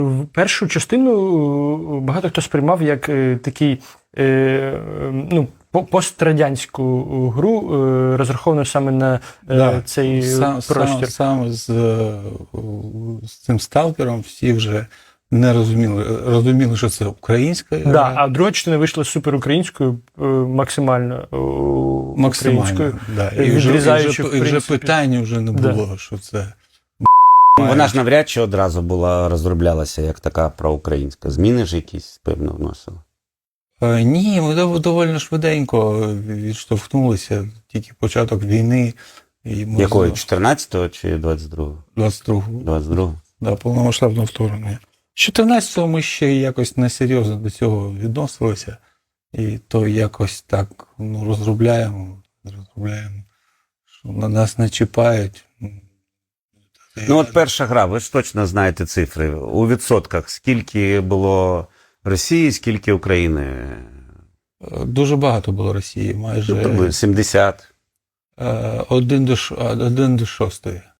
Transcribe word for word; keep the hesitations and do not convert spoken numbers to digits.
В першу частину багато хто сприймав як е, такий е, ну, по- пострадянську гру, е, розраховану саме на е, Да. цей Сам, простір. сам, саме з, е, з цим сталкером всі вже не розуміли, розуміли, що це українська гра. Да, а друга частина вийшла суперукраїнською, е, максимально е, Максимально. українською. Да. І, вже, і, відрізаючи, вже, в і вже принципі. питання вже не Да. було, що це. Вона ж навряд чи одразу була розроблялася як така проукраїнська. Зміни ж якісь, певно, вносили. Е, Ні, ми дов- доволі швиденько відштовхнулися, тільки початок війни. І ми Якої? з- чотирнадцятого чи двадцять другого? двадцять другого. двадцять другого. Да, повномасштабного вторгнення. З чотирнадцятого ми ще якось несерйозно до цього відносилися. І то якось так ну, розробляємо, розробляємо, що на нас не чіпають. Ну от перша гра, ви ж точно знаєте цифри. У відсотках скільки було Росії, скільки України? Дуже багато було Росії, майже Ну, сімдесят. е, один до, ш- один до шостої.